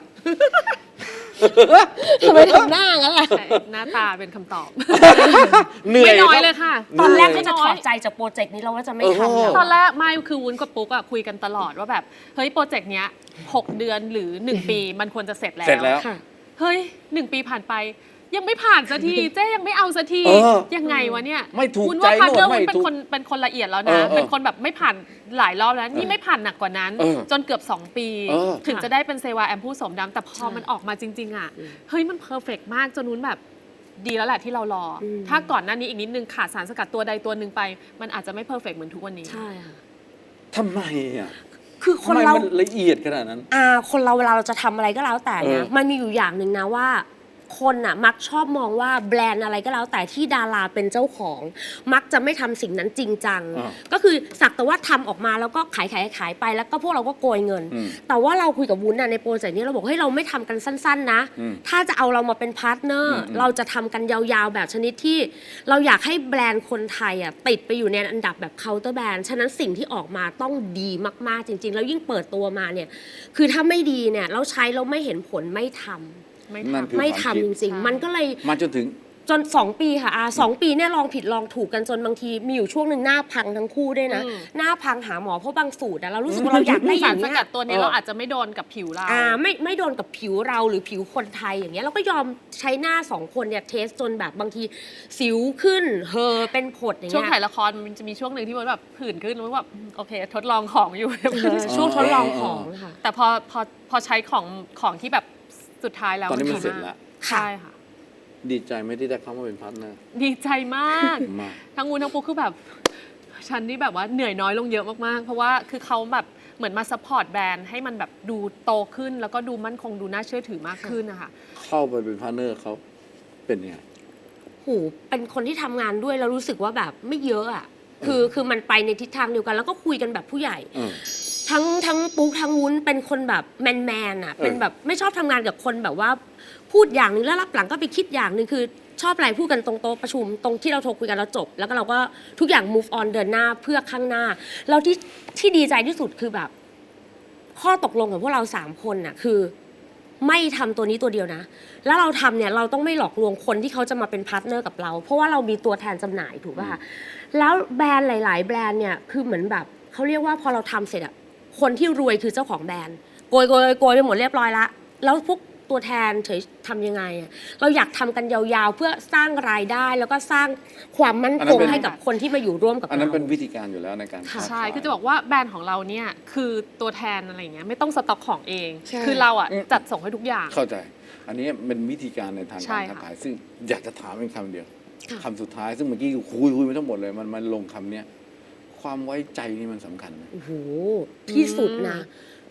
ทำไมทำหน้างั้นล่ะใช่หน้าตาเป็นคำตอบเหนื่อยไม่น้อยครับเลยค่ะตอนแรกก็จะถอดใจจากโปรเจกต์นี้แล้วว่าจะไม่ทำแล้วตอนแรกไม่คือวุ้นกับปุ๊กอะคุยกันตลอดว่าแบบเฮ้ยโปรเจกต์เนี้ย6 เดือนหรือ 1 ปีมันควรจะเสร็จแล้วเสร็จแล้วค่ะเฮ้ย1 ปีผ่านไป ยังไม่ผ่านสักที เจ๊ยังไม่เอาสักที ยังไงวะเนี่ยไม่ถูกวุ้นใจว่าพาร์ทเนอร์โน่นไม่วุ้นถูกเป็นคนละเอียดแล้วนะ เป็นคนแบบไม่ผ่านหลายรอบแล้วนี่ไม่ผ่านหนักกว่านั้น จนเกือบ 2 ปี ถึงจะได้เป็นเซวาแอมพูสมดำแต่พอมันออกมาจริง ๆอะเฮ้ยมันเพอร์เฟกต์มากจนวุ้นแบบดีแล้วแหละที่เรารออถ้าก่อนหน้านี้อีกนิดนึงขาดสารสกัดตัวใดตัวหนึ่งไป มันอาจจะไม่เพอร์เฟกต์เหมือนทุกวันนี้ใช่ค่ะทำไมอ่ะคือคทำนไมเรามันละเอียดขนาดนั้นคนเราเวลาเราจะทำอะไรก็แล้วแต่เนี่ยมันมีอยู่อย่างหนึ่งนะว่าคนน่ะมักชอบมองว่าแบรนด์อะไรก็แล้วแต่ที่ดาราเป็นเจ้าของ มักจะไม่ทำสิ่งนั้นจริงจัง ก็คือสักแต่ว่าทำออกมาแล้วก็ขายไปแล้วก็พวกเราก็โกยเงิน แต่ว่าเราคุยกับวุ้นน่ะในโปรเจกต์นี้เราบอกเฮ้ยเราไม่ทำกันสั้นๆนะถ้าจะเอาเรามาเป็นพาร์ทเนอร์เราจะทำกันยาวๆแบบชนิดที่เราอยากให้แบรนด์คนไทยอ่ะติดไปอยู่ในอันดับแบบเคาน์เตอร์แบรนด์ฉะนั้นสิ่งที่ออกมาต้องดีมากๆจริงๆแล้วยิ่งเปิดตัวมาเนี่ยคือถ้าไม่ดีเนี่ยเราใช้เราไม่เห็นผลไม่ทำนั่นคือไม่ความทำคิดจริงใช่ๆ มันก็เลยมาจนถึงจน2 ปีค่ะ2 ปีเนี่ยลองผิดลองถูกกันจนบางทีมีอยู่ช่วงหนึ่งหน้าพังทั้งคู่ด้วยนะ หน้าพังหาหมอเพราะบางสูตรเรารู้สึกว่าเราอยากได้อสาย่าร งสเงี้กัดยตัวนี้เราอาจจะไม่โดนกับผิวเราไม่โดนกับผิวเราหรือผิวคนไทยอย่างเงี้ยเราก็ยอมใช้หน้า2 คนเนี่ยเทสจนแบบบางทีสิวขึ้นเป็นผดอย่างช่วงเงี้ยถ่ายละครมันจะมีช่วงหนึ่งที่มันแบบผื่นขึ้นแล้วแบบโอเค ทดลองของอยู่ช่วงทดลองของค่ะแต่พอใช้ของที่แบบสุดท้ายแล้วตอนนี้มันดีเสร็จแล้วใช่ค่ะดีใจไหมที่ได้เข้ามาเป็นพาร์ทเนอร์ดีใจมากมากทั้งวูนทั้งปุ๊กคือแบบฉันนี่แบบว่าเหนื่อยน้อยลงเยอะมากๆ เพราะว่าคือเขาแบบเหมือนมาซัพพอร์ตแบรนด์ให้มันแบบดูโตขึ้น แล้วก็ดูมั่นคงดูน่าเชื่อถือมากขึ้นนะคะเข้าไปเป็นพาร์ทเนอร์เขาเป็นยังไงเป็นคนที่ทำงานด้วยแล้วรู้สึกว่าแบบไม่เยอะอ่ะคือมันไปในทิศทางเดียวกัน แล้วก็คุยกันแบบผู้ใหญ่ ทั้งปุ๊กทั้งวุ้นเป็นคนแบบแมนอ่ะเป็นแบบไม่ชอบทำงานกับคนแบบว่าพูดอย่างหนึงแล้วรับหลังก็ไปคิดอย่างหนึงคือชอบอะไรพูดกันตรงโต๊ะประชุมตรงที่เราโทรคุยกันแล้วจบ แล้วก็เราก็ทุกอย่าง move on เดินหน้าเพื่อข้างหน้าแล้วที่ดีใจที่สุดคือแบบ ข้อตกลงของพวกเรา3 คนน่ะคือไม่ทำตัวนี้ตัวเดียวนะแล้วเราทำเนี่ยเราต้องไม่หลอกลวงคนที่เขาจะมาเป็นพาร์ทเนอร์กับเรา เพราะว่าเรามีตัวแทนจำหน่ายถูกป่ะคะแล้วแบรนด์หลาย ๆ แบรนด์เนี่ยคือเหมือนแบบเขาเรียกว่าพอเราทำเสร็จอะคนที่รวยคือเจ้าของแบรนด์โกยไปหมดเรียบร้อยละแล้วพวกตัวแทนเฉยทำยังไงอะเราอยากทำกันยาวๆเพื่อสร้างรายได้แล้วก็สร้างความมั่นคงให้กับคนที่มาอยู่ร่วมกับอันนั้นเราเป็นวิธีการอยู่แล้วในการใช่ คือจะบอกว่าแบรนด์ของเราเนี่ยคือตัวแทนอะไรอย่างเงี้ยไม่ต้องสต็อกของเองใช่คือเราอ่ะจัดส่งให้ทุกอย่างเข้าใจ อันนี้เป็นวิธีการในทางใช่การค่ะค้าขายซึ่งอยากจะถามเป็นคำเดียวคำสุดท้ายซึ่งเมื่อกี้คุยไปทั้งหมดเลยมันลงคำเนี้ยความไว้ใจนี่มันสำคัญไหมโอ้โหที่สุดนะ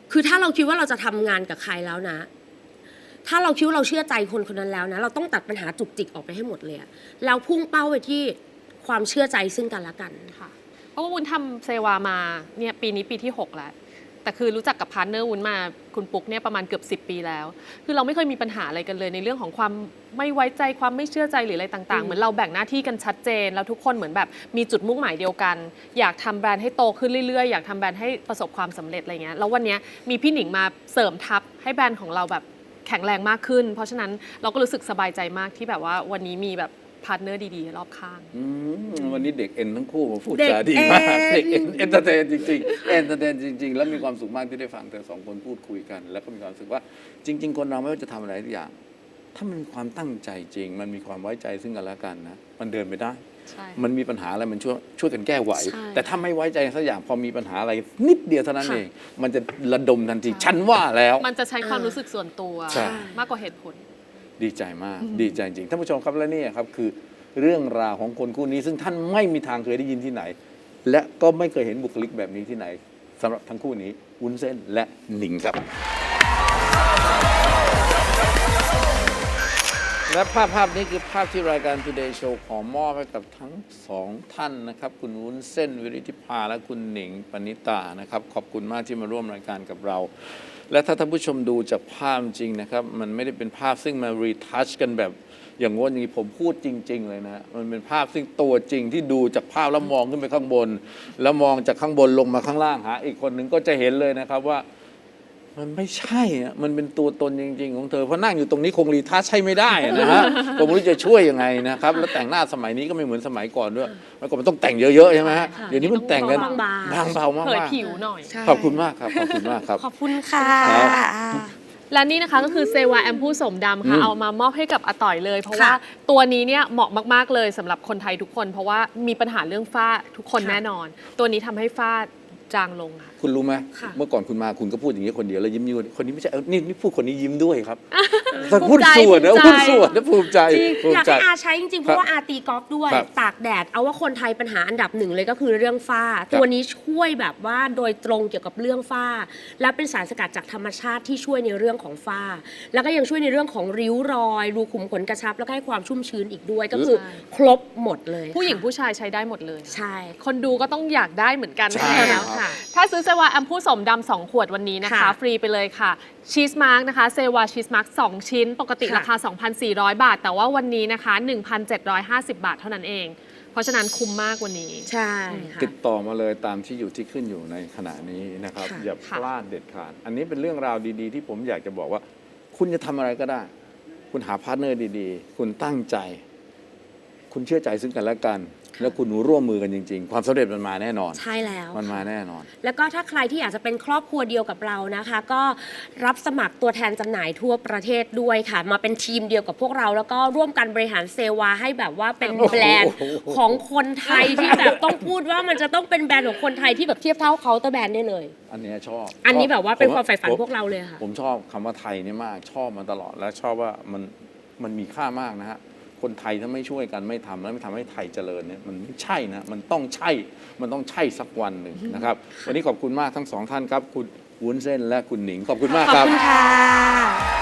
คือถ้าเราคิดว่าเราจะทำงานกับใครแล้วนะ ถ้าเราคิดว่าเราเชื่อใจคนคนนั้นแล้วนะ เราต้องตัดปัญหาจุกจิกออกไปให้หมดเลยอะแล้วพุ่งเป้าไปที่ความเชื่อใจซึ่งกันและกันค่ะเพราะว่าวุ้นทำเซวามาเนี่ยปีนี้ปีที่ 6 แล้ว แต่คือรู้จักกับพาร์ทเนอร์วุ้นมาคุณปุ๊กเนี่ยประมาณเกือบ10 ปีแล้ว คือเราไม่เคยมีปัญหาอะไรกันเลยในเรื่องของความไม่ไว้ใจความไม่เชื่อใจหรืออะไรต่างๆ เหมือนเราแบ่งหน้าที่กันชัดเจน แล้วทุกคนเหมือนแบบมีจุดมุ่งหมายเดียวกัน อยากทำแบรนด์ให้โตขึ้นเรื่อยๆ อยากทำแบรนด์ให้ประสบความสำเร็จอะไรเงี้ยแล้ววันเนี้ยมีพี่หนิงมาเสริมทัพให้แบรนด์ของเราแบบแข็งแรงมากขึ้น เพราะฉะนั้นเราก็รู้สึกสบายใจมากที่แบบว่าวันนี้มีแบบพาร์ทเนอร์ดีๆรอบข้างวันนี้เด็กเอ็นทั้งคู่มาพูดเด็กจาดีมากเอ็นเด็กเอ็นเอนเตอร์เทนจริงๆเอนเตอร์เทนจริง ๆ แล้วมีความสุขมากที่ได้ฟังเธอสองคนพูดคุยกัน แล้วก็มีความรู้สึกว่าจริง ๆ คนเราไม่ว่าจะทำอะไรทุกอย่าง ถ้ามันมีความตั้งใจจริง มันมีความไว้ใจซึ่งกันและกันนะมันเดินไปได้ใช่มันมีปัญหาอะไรมันช่วยกันแก้ไหวใช่แต่ถ้าไม่ไว้ใจสักอย่างพอมีปัญหาอะไรนิดเดียวเท่านั้นค่ะเอง มันจะระดมทันทีฉันว่าแล้วมันจะใช้ความรู้สึกส่วนตัวใช่มากกว่าเหตุผลดีใจมาก ดีใจจริงท่านผู้ชมครับและนี่ครับคือเรื่องราวของคนคู่นี้ ซึ่งท่านไม่มีทางเคยได้ยินที่ไหน และก็ไม่เคยเห็นบุคลิกแบบนี้ที่ไหนสำหรับทั้งคู่นี้วุ้นเส้นและหนิงครับ และภาพนี้คือภาพที่รายการ Today Show ขอมอบให้กับทั้งสองท่านนะครับคุณวุ้นเส้นวิริธิภาและคุณหนิงปณิตานะครับขอบคุณมากที่มาร่วมรายการกับเรา และถ้าท่านผู้ชมดูจากภาพจริงนะครับมันไม่ได้เป็นภาพซึ่งมารีทัชกันแบบอย่างงนอย่างนี้ผมพูดจริง ๆ เลยนะมันเป็นภาพซึ่งตัวจริงที่ดูจากภาพแล้วมองขึ้นไปข้างบน แล้วมองจากข้างบนลงมาข้างล่างหาอีกคนหนึ่งก็จะเห็นเลยนะครับว่า มันไม่ใช่อะมันเป็นตัวตนจริง ๆ ของเธอเพราะนั่งอยู่ตรงนี้คงรีทัชใช่ไม่ได้นะฮะ ผมไม่รู้จะช่วยยังไงนะครับแล้วแต่งหน้าสมัยนี้ก็ไม่เหมือนสมัยก่อนด้วยเมื่อก่อนมันต้องแต่งเยอะๆใช่ไหมฮะเดี๋ยวนี้มันแต่งกันบางๆบางเบามากเผยๆผิวหน่อยขอบคุณมากครับขอบคุณมากครับขอบคุณค่ะและนี่นะคะก็คือเซวาแอมพูสมดำค่ะ เอามามอบให้กับอาต่อยเลย เพราะว่าตัวนี้เนี่ยเหมาะมากๆเลยสำหรับคนไทยทุกคน เพราะว่ามีปัญหาเรื่องฝ้าทุกคนแน่นอน ตัวนี้ทำให้ฝ้าจางลงค่ะคุณรู้ไหมค่ะเมื่อก่อนคุณมาคุณก็พูดอย่างนี้คนเดียวแล้วยิ้มอยู่คนนี้ไม่ใช่นี่พูดคนนี้ยิ้มด้วยครับแต่ภูพูดมิใจส่วนนะภูพูมิดใจส่วนนะภูมิใจจริงภูอมิยากใจให้อาใช้จริงๆ เพราะว่าอาตีกอล์ฟด้วยครับตากแดด เอาว่าคนไทยปัญหาอันดับหนึ่งเลยก็คือเรื่องฝ้า ตัวนี้ช่วยแบบว่าโดยตรงเกี่ยวกับเรื่องฝ้า และเป็นสารสกัดจากธรรมชาติที่ช่วยในเรื่องของฝ้า แล้วก็ยังช่วยในเรื่องของริ้วรอยรูขุมขนกระชับ แล้วก็ให้ความชุ่มชื้นอีกด้วย ก็คือครบหมดเลยผู้หญิงค่ะผู้ชายใช้ได้หมดเลยใช่คนดูก็ต้องอยากได้เหมือนกันใช่แล้วค่ะถ้าซื้อเซวาแอมพูสมดำ2 ขวดวันนี้นะคะค่ะฟรีไปเลยค่ะชีสมาร์กนะคะเซวาชีสมาร์ก2 ชิ้น ปกติค่ะราคา 2,400 บาท แต่ว่าวันนี้นะคะ 1,750 บาทเท่านั้นเอง เพราะฉะนั้นคุ้มมากวันนี้ใช่ค่ะติดต่อมาเลยตามที่อยู่ที่ขึ้นอยู่ในขณะนี้นะครับค่ะอย่าพลาดเด็ดขาด อันนี้เป็นเรื่องราวดีๆ ที่ผมอยากจะบอกว่า คุณจะทำอะไรก็ได้ คุณหาพาร์ทเนอร์ดีๆ คุณตั้งใจ คุณเชื่อใจซึ่งกันและกัน แล้วคุณร่วมมือกันจริง ๆ ความสำเร็จมันมาแน่นอนใช่แล้วมันมาแน่นอนแล้วก็ถ้าใครที่อยากจะเป็นครอบครัวเดียวกับเรานะคะ ก็รับสมัครตัวแทนจำหน่ายทั่วประเทศด้วยค่ะ มาเป็นทีมเดียวกับพวกเรา แล้วก็ร่วมกันบริหารเซวาให้แบบว่าเป็นแบรนด์ของคนไทยที่แบบต้องพูดว่ามันจะต้องเป็นแบรนด์ของคนไทยที่แบบเทียบเท่าเคาน์เตอร์แบรนด์ได้เลยอันเนี้ยชอบอันนี้แบบว่าเป็นความใฝ่ฝันผมพวกเราเลยค่ะผมชอบคำว่าไทยเนี่ยมาก ชอบมาตลอด และชอบว่ามันมีค่ามากนะฮะ คนไทยถ้าไม่ช่วยกันไม่ทำแล้วไม่ทำให้ไทยเจริญเนี่ยมันไม่ใช่นะ มันต้องใช่สักวันหนึ่งนะครับ วันนี้ขอบคุณมากทั้งสองท่านครับ คุณวุ้นเส้นและคุณหนิง ขอบคุณมากขอบครับคุณค่ะ